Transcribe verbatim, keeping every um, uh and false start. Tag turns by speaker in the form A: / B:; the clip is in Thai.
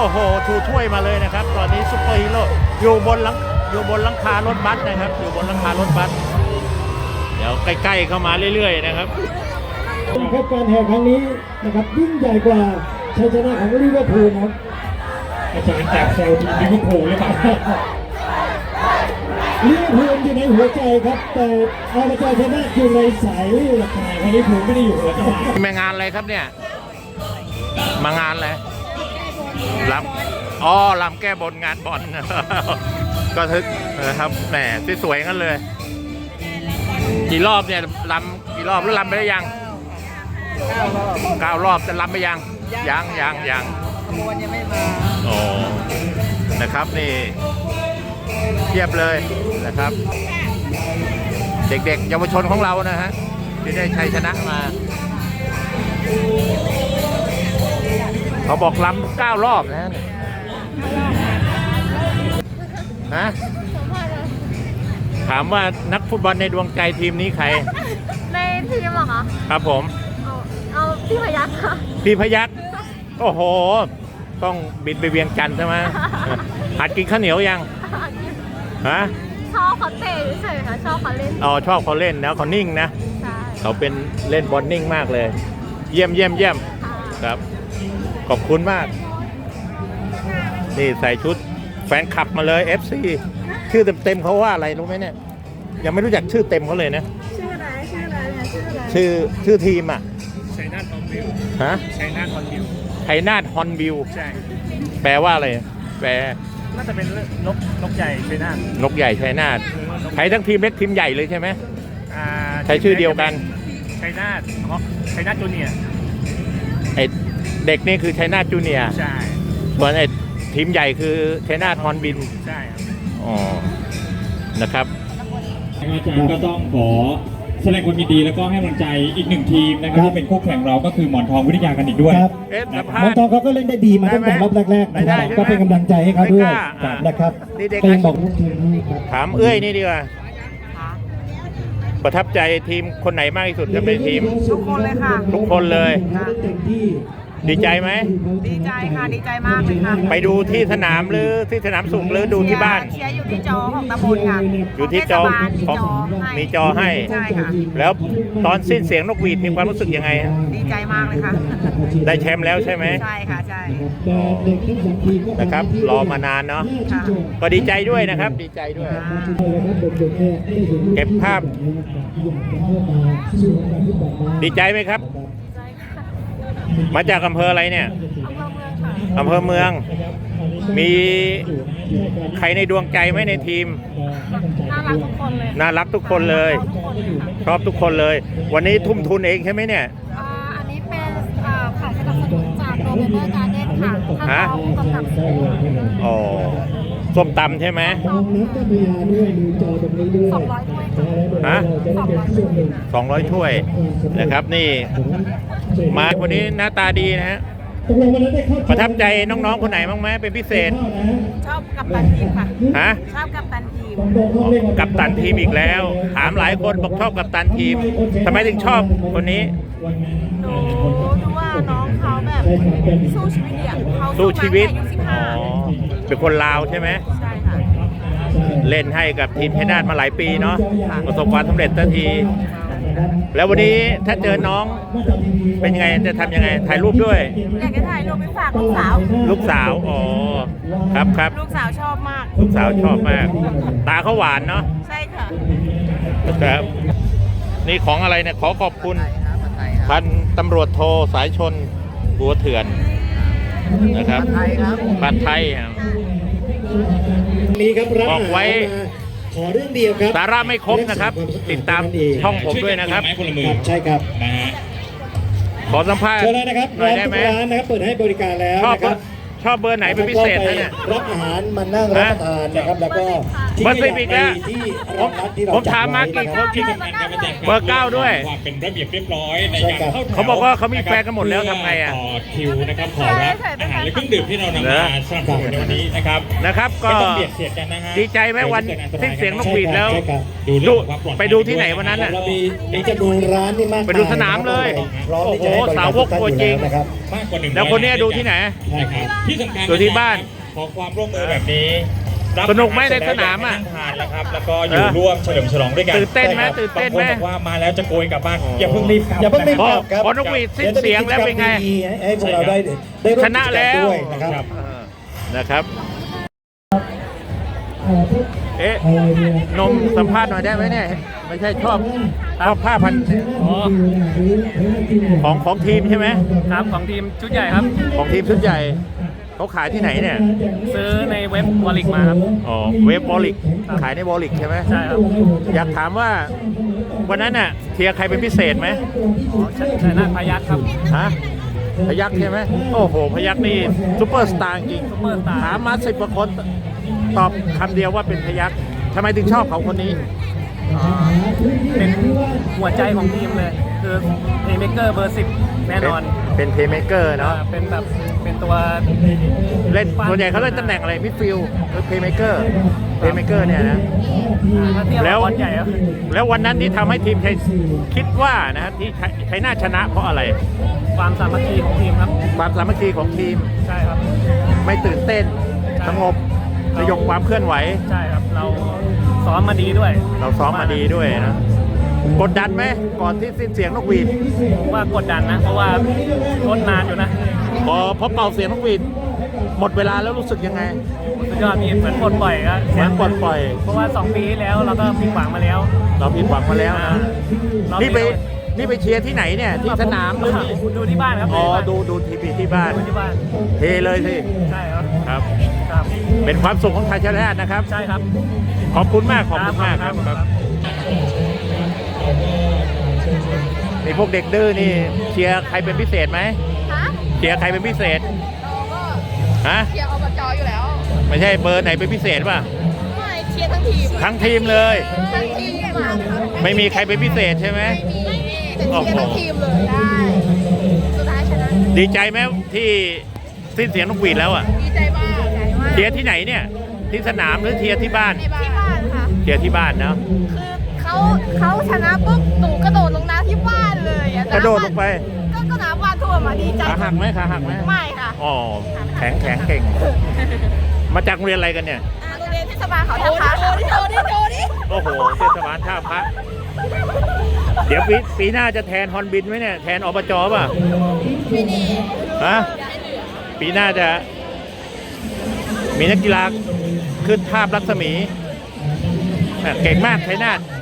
A: โหชูถ้วยมาเลยนะครับตอนนี้ซุปเปอร์ฮีโร่อยู่บนหลังอยู่บนหลังคารถบัสนะครับอยู่บนหลังคารถบัสเดี๋ยวใกล้ๆเข้ามาเรื่อยๆนะครับ
B: ครับการแห่ครั้งนี้นะครับยิ่งใหญ่กว่าชัยชนะของลิเวอร์พูลครับ
C: อาจจะเป็นแตกเซลล์ทีมลิเวอร์พูลหรือเปล่า
B: ลิเวอร์พูลอยู่ในหัวใจครับแต่อาร์เจนตินาอยู่ในสายเลือด
C: ใช่วันนี้ผมไม่ได้อยู่หัวใจ
A: มางานอะไรครับเนี่ยมางานอะไรลำอ๋อลำแก้บนงานบอลก็ทึกนะครับแหมสวยๆงั้นเลยกี่รอบเนี่ยลำกี่รอบแล้วลำไปได้ยังเก้ารอบจะลำไปยังยังยังยัง
D: ขบวนยังไม่มา
A: อ๋อนะครับนี่เทียบเลยนะครับเด็กๆเยาวชนของเรานะฮะที่ได้ชัยชนะมาเขาบอกลำเก้ารอบนะฮะถามว่านักฟุตบอลในดวงใจทีมนี้ใคร
E: ในทีมเหรอคะ
A: ครับผม
E: เอาเอาพี่พยัคฆ์ค่ะ
A: พี่พยัคฆ์โอ้โหต้องบินไปเวียงจันทร์ใช่ไหมหัดกินข้าวเหนียวยังฮะ
E: ชอบเขาเตะเฉยค่ะชอบเขาเล่น
A: อ๋อชอบเขาเล่นนะเขานิ่งนะเขาเป็นเล่นบอลนิ่งมากเลยเยี่ยมเยี่ยมเยี่ยมครับขอบคุณมากนี่ใส่ชุดแฟนคลับมาเลย เอฟ ซี ชื่อเต็มๆเขาว่าอะไรรู้ไหมเนี่ยยังไม่รู้จักชื่อเต็มเขาเลยนะ
E: ชื่ออะไรชื่ออะไรชื่ออะไร
A: ชื่อชื่อทีมอ่ะ
C: ชัยนาทฮอนวิว
A: ฮะ
C: ชัยนาทฮอนวิว
A: ชัยนาทฮอนวิว
C: ใช่
A: แปลว่าอะไรแปล
C: น่าจะเป็นนกนกใหญ่ชัยนาท
A: นกใหญ่ชัยนาทใช้ทั้งทีมเล็กทีมใหญ่เลยใช่ไหมใช้ชื่อเดียวกัน
C: ชัยนาทชัยนาทจูเนียร์
A: ไอเด็กนี่คือชัยนาทจูเนียร์
C: ใช่
A: ส่วนไอทีมใหญ่คือชัยนาทฮอนบิน
C: ใช่ครับ
A: อ๋อนะครับ
C: อาจารย์ก็ต้องขอแสดงความยินดีแล้วก็ให้กำลังใจอีกหนึ่งทีมนะครับที่เป็นคู่แข่งเราก็คือหมอนทองวิทยากันอีกด้วย
B: หมอนทองเขาก็เล่นได้ดีมาตั้งแต่รอบแรกๆนะครับก็เป็นกำลังใจให้เขาด้วยนะครับเป็นบอกลูกทีม
A: ถามเอ้ยนี่ดีกว่าประทับใจทีมคนไหนมากที่สุดจะเป็นทีม
D: ทุกคนเลยค่ะ
A: ทุกคนเลยดีใจไหม
D: ดีใจค่ะดีใจมากเลยค่ะ
A: ไปดูที่สนามหรือที่สนามสุขหรือดูที่บ้าน
D: เชียร์อยู่ที่จอของตำบลค่ะ
A: อยู่ที่จอของมีจอให้
D: ใช่ค่ะ
A: แล้วตอนสิ้นเสียงนกหวีดมีความรู้สึกยังไง
D: ดีใจมากเลยค่ะ
A: ได้แชมป์แล้วใช่ไหม
D: ใช่ค่ะใช่
A: นะครับรอมานานเนาะก็ดีใจด้วยนะครับดีใจด้วยเก็บภาพดีใจไหมครับมาจากอำเภออะไรเนี่ยอำเภอเมืองมีใครในดวงใจไหมในทีม
E: น่ารักทุกคนเลย
A: น่ารักทุกคนเลยชอบทุกคนเลยวันนี้ทุ่มทุนเองใช่ไหมเนี่ย
E: อันนี้เป็นขายสนับสนุนจากโรเบิร์ตการ์เด้นค่ะฮะ
A: อ๋อส้มตำใช่ไหม
E: สองร้อยถ้วย
A: ฮะสองร้อยถ้วยนะครับนี่มาวันนี้หน้าตาดีนะฮะประทับใจน้องๆคนไหนบ้างไหมเป็นพิเศษ
D: ชอบกัปตันทีมค่ะ
A: ฮะ
D: ชอบกัปตันทีม
A: กัปตันทีมอีกแล้วถามหลายคนบอกชอบกัปตันทีมทำไมถึงชอบคนนี้
D: ดูดูว่าน้องเขาแบบสู้ชีวิตเนี่ยเขา
A: สู้ชีวิต
D: อ๋อ
A: เป็นคนลาวใช่ไหม
D: ใช่ค่ะ
A: เล่นให้กับทีมชัยนาทมาหลายปีเนาะประสบความสำเร็จทันทีแล้ววันนี้ถ้าเจอน้องเป็นยังไงจะทำยังไงถ่ายรูปด้วย
D: อยากจะถ่ายรูปไปฝากลูกสาว
A: ลูกสาวอ๋อครับครับ
D: ลูกสาวชอบมาก
A: ลูกสาวชอบมากตาเขาหวานเนาะ
D: ใช่ค่ะ
A: ครับนี่ของอะไรเนี่ยขอขอบคุณพันตำรวจโทสายชนบัวเถื่อนนะครับบัตรไทย
B: นี่ครับ
A: บอกไว้
B: ขอเรื่องเดียวครับ
A: สาระไม่ครบนะครับติดตามช่องผมด้วยนะครับ
B: ใช่ครับ
A: ขอสัมภาษณ์
B: เชิญเลยนะครับร้านทุกร้านนะครับเปิดให้บริการแล้วนะครับ
A: ชอบเบอร์ไหนเป็นพิเศษนะเนี่ย
B: รับอาหารมานั่งรับประทานนะครับแล้วก็
A: เบอร์สิบอีกแล้วผมถามมากี่คนกี่เบอร์เก้าด้วย
C: เป็นระเบียบเรียบร้อยในการเข้า
A: เขาบอกว่าเขามีแฟนกันหมดแล้วทำไงอ่ะ
C: ต่อคิวนะครับขอรับอาหารและเครื่องดื่มที่เรานำมาสนับสนุนในวันนี้นะครับ
A: นะครับก็ดีใจไหมวันสิ้นเสียงนกหวีดแล้วดูไปดูที่ไหนวันนั้นอ่ะ
B: มีจำนวนร้านนี่มาก
A: ไปดูสนามเลยโอ้โหสาวกตัวจริง
C: กว่าหนึ่งร้อย
A: แล้วคนเนี้ยดูที่ไหน
C: ใช่ครับที่สำคัญ
A: ดูที่บ้าน
C: ขอความร่วมมือแบบนี้รับ
A: สนุกไหมในสนามอะ
C: นั่งทานแล้วครับแล้วก็อยู่ร่วมเฉลิมฉลองด้วยกัน
A: ตื่นเต้นไหมตื่นเต้นไหม
C: บางคนบอกว่ามาแล้วจะโกยกลับบ้านอย่าเพิ่งรีบกลับ
B: อย่าเพิ่งรีบ
A: พอก
B: ลับครับ
A: พอนกหวีดสิ้นเสียงแล้วเป็นไง
B: ดี๋ยวจะมีกิจกรรมดีๆให้พวกเราได้ได้ร่วม
A: ชนะแล้ว
B: กิจกรรมด้วยนะครับ
A: เออนะครับ เอ๊ะ นมสัมภาษณ์หน่อยได้ไหมเนี่ย ไม่ใช่ชอบชอบผ้าพันของของทีมใช่ไหม
F: ครับของทีมชุดใหญ่ครับ
A: ของทีมชุดใหญ่เขาขายที่ไหนเนี่ย
F: ซื้อในเว็บวอลลิกมาครับ
A: อ๋อ เว็บวอลิก ขายในวอลิกใช่ไหม
F: ใช่ครับ
A: อยากถามว่าวันนั้นน่ะเทียร์ใครเป็นพิเศษไหม
F: อ๋อชชนะพยัคฆ์ครับ
A: ฮะพยักใช่ไหมโอ้โห พยักนี่ซุปเปอร์สตาร์จริง
F: ซุปเปอร์สตาร์
A: ถามมาสิบกว่าคนตอบคำเดียวว่าเป็นพยักทำไมถึงชอบเขาคนนี้
F: อ่าเป็นหัวใจของทีมเลย คือเพย์เมเกอร์เบอร์สิบแน่นอน
A: เป็นเพย์เมเกอร์เนาะ
F: อ่าเป็นแบบเป็นตัว
A: เล่นส่วนใหญ่เขาเล่นตำแหน่งอะไรมิดฟิลด์หรือเพย์เมเกอร์เพย์เมเกอร์เนี่ยนะ
F: อ่าถ้าเทียบ
A: แล้
F: กับ
A: ว
F: บอลใหญ่อะ
A: แล้ววันนั้นที่ทำให้ทีมไทยคิดว่านะที่ไทยน่าชนะเพราะอะไร
F: ความสามัคคีของทีมครับ
A: ความสามัคคีของทีม
F: ใช่ครับ
A: ไม่ตื่นเต้น สงบสยบความเคลื่อนไหว
F: ใช่ครับ เราซ้อมมาดีด้วย
A: เราซ้อมมาดีด้วยนะกดดันไหมก่อนที่สิ้นเสียงนกหวีด
F: ผมว่ากดดันนะ เพราะว่าทนนานอยู่นะ
A: พอพอเป่าเสียงนกหวีดหมดเวลาแล้วรู้สึกยังไง
F: สุดยอดพี่เหมือนปลดปล่อยครับ
A: เหมือนปลดปล่อย
F: เพราะว่าสองปีที่แล้วเราก็ผิดหวังมาแล้ว
A: เราผิดหวังมาแล้วนะ
F: รอบ
A: นี่ไปนี่ไปเชียร์ที่ไหนเนี่ย ที่สนามหรือที่
F: ดูที่บ้านครับ
A: อ๋อดูดูทีวีที่บ้าน
F: ดูที่บ้าน
A: เทเลยสิ
F: ใช่ครับ
A: ครับ
F: ครับ
A: เป็นความสุขของไทยชาตินะครับ
F: ใช่ครับ
A: ขอบคุณมากขอบคุณมากครับครับนี่พวกเด็กดื้อนี่เชียร์ใครเป็นพิเศษไหม
E: ฮะ
A: เชียร์ใครเป็นพิเศษ
E: เราก็
A: ฮะ
E: เชียร์อบจอยู่แล้ว
A: ไม่ใช่เบอร์ไหนเป็นพิเศษป่ะ
E: ไม่เชียร์ทั้งทีม
A: ทั้งทีมเลย
E: ทั้งทีมอะ
A: ไม่มีใครเป็นพิเศษใช่ไหม
E: ไม่มีแต่เชียร์ทั้งทีมเลยได้ สุดท้ายชนะ
A: ดีใจไหมที่สิ้นเสียงนกหวีดแล้วอ่ะ
E: ดีใจมากใจมาก
A: เชียร์ที่ไหนเนี่ย ที่สนามหรือเชียร์ที่บ้าน
E: ที่บ้านค่ะ
A: เชียร์ที่บ้านเนาะ
E: คือเขาเขาชนะปุ๊บหนูกระโดดลงน้ำที่บ้านเลยอ
A: กระโดดลงไป
E: ก็ก็น้ำบ้านท่วมมาดีใจ
A: ขาหักไหมขาหักไหม
E: ไม่ค่ะ
A: อ๋อแข็งแข็งเก่ง มาจากโรงเรียนอะไรกันเนี่ย
E: อ่าโรงเรียนเทศบาลเขาท่าพระโดดิโดดิโดดิ
A: โอ้โหเทศบาลท่าพระเดี๋ยวปีปีหน้าจะแทนฮอนบินไหมเนี่ยแทนอบจป่ะ
E: ไม่ดี
A: ฮะปีหน้าจะ มีนักกีฬาขึ้นภาพรัศมีอ่ะเก่งมากชัยนาท